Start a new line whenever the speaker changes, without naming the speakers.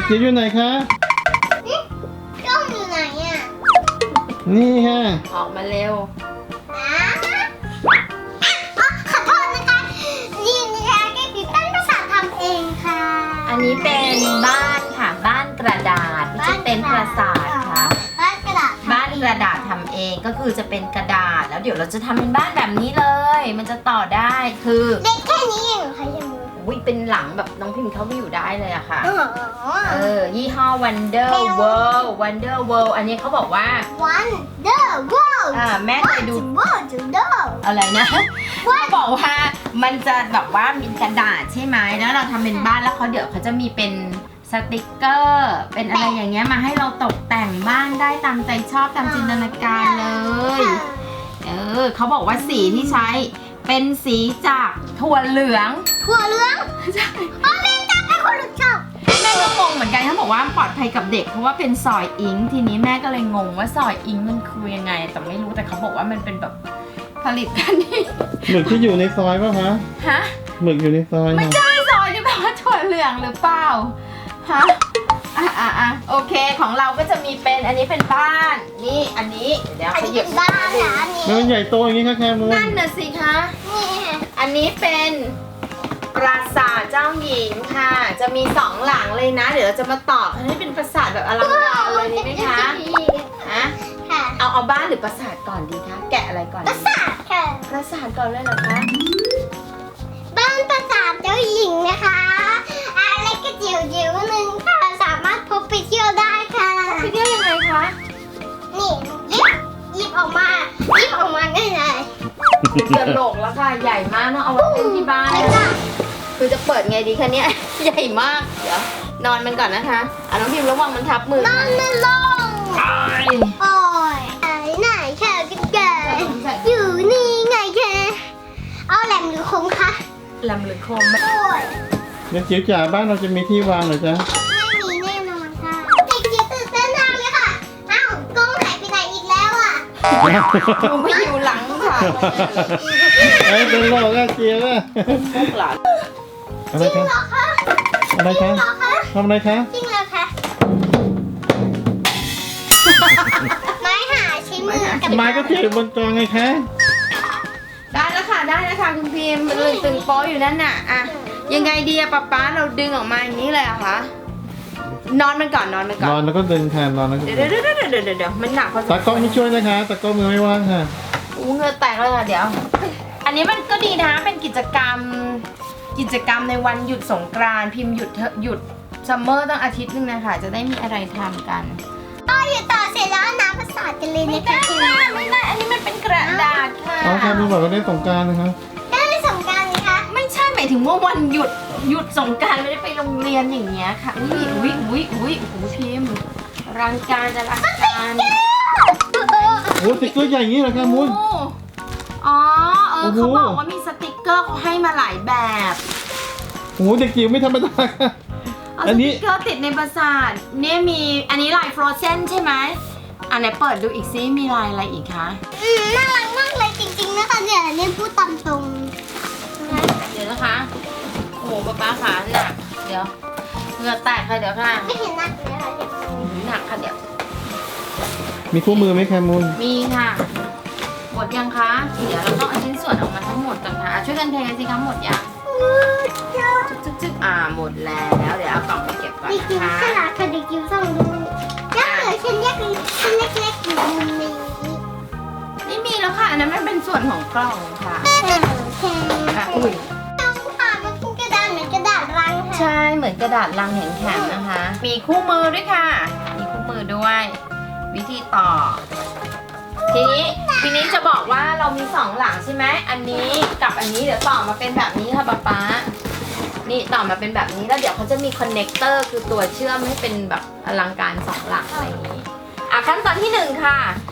จิ๋วอยู่ไหนคะ
กล้องอยู่ไหนอ่ะ
นี่ค่ะ
ออกมาเร็ว
ขอโทษนะคะนี่นะคะแกติดตั้งภาษาทำเองค่ะ
อันนี้เป็นบ้านค่ะบ้านกระดาษไม่ใช่เป็นปราสาทค่ะ
บ้านกระดาษ
บ้านกระดาษทำเองก็คือจะเป็นกระดาษแล้วเดี๋ยวเราจะทำเป็นบ้านแบบนี้เลย มันจะต่อได้คือ
เล็กแค่นี้เองเหรอคะยัง
อุ้ยเป็นหลังแบบน้องพิมพ์เข้าไปอยู่ได้เลยอะค่ะ
อ๋อ
ยี่ห้อ Wonder World Wonder World อันนี้เขาบอกว่า
วันเดอร์วอล
แม่เคยดู
วอลจูเดอร์
อะไรนะเขาบอกว่ามันจะแบบว่ามีกระดาษใช่ไหมแล้วเราทำเป็นบ้านแล้วเขาเดี๋ยวเขาจะมีเป็นสติกเกอร์เป็นอะไรอย่างเงี้ยมาให้เราตกแต่งบ้านได้ตามใจชอบตามจินตนาการเลยเขาบอกว่าสีที่ใช้เป็นสีจากถั่วเหลือง
ถั่วเหลืองอ๋อแม่จับให้คนหลุดชอบ
แม่ก็งงเหมือนกันเขาบอกว่าปลอดภัยกับเด็กเพราะว่าเป็นซอยอิงค์ทีนี้แม่ก็เลยงงว่าซอยอิงค์มันคือยังไงแต่ไม่รู้แต่เขาบอกว่ามันเป็นแบบผลิตกันที่
หมึกที่อยู่ในซอยป่ะคะ
ฮะ
หมึกอยู่ในซอย
ไม่
ค่ะ
ใช่ซอยที่แปลว่าถั่วเหลืองหรือเปล่าฮะโอเคของเราก็จะมีเป็นอันนี้เป็นบ้านนี่อันนี้เดี๋ยว
อัน
ข
นี้
ยั
เป็
บ
นบ้านนะอันนี้
แล้วมันใหญ่โตอย่างนี้ค่ะแคมูน
นั่นน่ะสิคะ
นี่
อันนี้เป็นปราสาทเจ้าหญิงค่ะ จะมีสองหลังเลยนะ เดี๋ยวเราจะมาต่อกันให้เป็นปราสาทแบบอลังการเลยดีไหมคะฮะ
ค่ะ
เอาบ้านหรือปราสาทก่อนดีคะแกะอะไรก่อน
ปรา
ดี
สาทค่ะ
ปราสาทก่อนเลยเหรอคะ
บ้านปราสาทเจ้าหญิงนะคะอะไรก็จิ๋วจิ๋วๆนึงค่ะสามารถพกไปเที่ยวได้ค่ะ
ไปเที่ยวยังไงคะ
นี่หยิบออกมาง่ายเลย
จะโหลกแล้วค่ะใหญ่มากเนอะเอาไว้เล่นที่บ้าน
ไม่ได้
คือจะเปิดไงดีคะเนี่ย ใหญ่มากเดี๋ยวนอนมันก่อนนะคะน้องพิมพ์ระวังมันทับมือน
อนไม่ลง โอ้ยไหนแค่กันแกอยู่นี่ไงแค่เอาแหลมหรือคมคะ
ลำหรือโคมไหม
โอ้ย
เดี๋ยวจิ๋วจ๋าบ้านเราจะมีที่วางเหรอจ๊ะ
ไม่มีแน่นอนค่ะเด็กจิ๋วตื่นเต้นมากเลยค่ะอ้าวกล้องหายไปไหนอีกแล้วอ่ะ
หนูไม่อยู่หลังค่ะ
ไอ้เป็นโลกอะเจียวอะ
พวกหลาน
อะไร
จริง
คะ
เหรอคะ
อะไร
จริ
คะ
งเหรอคะ
ทำอะไรคะ
จริงเหรอคะไม้หาใช้มือกับ
ไม้ก็เจียวบนกองไงคะ
ได้แล้วค่ะได้แล้วค่ะคุณพิมพ์มันเลยตึงโป๊อยู่นั่นน่ะอะยังไงดีอะป๊าเราดึงออกมาอย่างนี้เลยเหรอะคะนอนมันก่อนนอนมันก่
น
อ
อน
น
แล้วก็ดึงแทนนอนแล้วก็
เดี๋ยวมันหนักพอสม
ตากล้องไม่ช่วยนะคะตากล้องมือไม่ว่างค่ะ
อู้เหงือแตกเลยค่ะเดี๋ยว อันนี้มันก็ดีนะเป็นกิจกรรมในวันหยุดสงกรานต์พิมพ์หยุดซัมเมอร์ตั้งอาทิตย์นึงนะคะจะได้มีอะไรทำกัน
ก็อยู่ต่อเสร็จแล้วน้ำประสาทกันเลยนะคะ
ไม่ได้อันนี้มันเป็นกระดาษค่ะ
อ๋อแคมูนบอกว่าได้สงกรานต์นะคะ
ได้ไปสงกรานต์ไหมคะ
ไม่ใช่หมายถึงว่าวันหยุดสงกรานต์ไม่ได้ไปโรงเรียนอย่างเงี้ยค่ะอุ้ยโอ้โหพิมพ์รังการจะรังการ
โอ้สติ๊กเกอร์ใหญ่อย่างนี้เหรอแคมูน
อ๋อ
โอ้โห
เขาบอกว่ามีสติกเกอร์เขาให้มาหลายแบบ
โอ้โหเด็กจิ๋วไม่ธรรมดาค่ะ
เอา
อั
ส
นนี้
ติกเกอร์ติดในปราสาทเนี่ยมีอันนี้ลายฟรอเซนใช่ไหมอันไหนเปิดดูอีกซิมีลายอะไรอีกคะ
น่ารักมากเลยจริงๆนะคะเนี่ยพูดตามตรง
เดี๋ยวนะคะโอ้โหป๊าขาหนักเดี๋ยวเหงื่อแตกค่ะเดี๋ยวค่ะ
ไม่เห็นหนักเลยค่ะ
หนักค่ะเดี๋ยว
มีคู่มือไหมแคมูน
มีค่ะหมดยังคะเดี๋ยวเราต้องเอาชิ้นส่วนออกมาทั้งหมดก่อนค่ะช่วยกันเทสิคะหมดยังจึ๊กหมดแล้วเดี๋ยวเอากล่องไปเก็บก่อน
เด็กจิ๋ว
นะ
ฉ
คะ
ลาดค่ะเด็กจิ๋วส่องดูยังเหลือชิ้นเล็กๆอยู่มุมนี้
ไม่มีแล้วค่ะอันนั้นมันเป็นส่วนของกล่องค่ะ
โอเค
อุ้ย
ต้องผ่านมันเป็นกระดาษเหมือนกระดาษรังค่ะ
ใช่เหมือนกระดาษลังแข็งๆนะคะ มีคู่มือด้วยค่ะ มีคู่มือด้วย วิธีต่อ ทีนี้จะบอกว่าเรามีสองหลังใช่ไหมอันนี้กับอันนี้เดี๋ยวต่อมาเป็นแบบนี้ค่ะป๊านี่ต่อมาเป็นแบบนี้แล้วเดี๋ยวเขาจะมีคอนเนคเตอร์คือตัวเชื่อมให้เป็นแบบอลังการสองหลังอะไรอย่างนี้ขั้นตอนที่หนึ่งค่ะ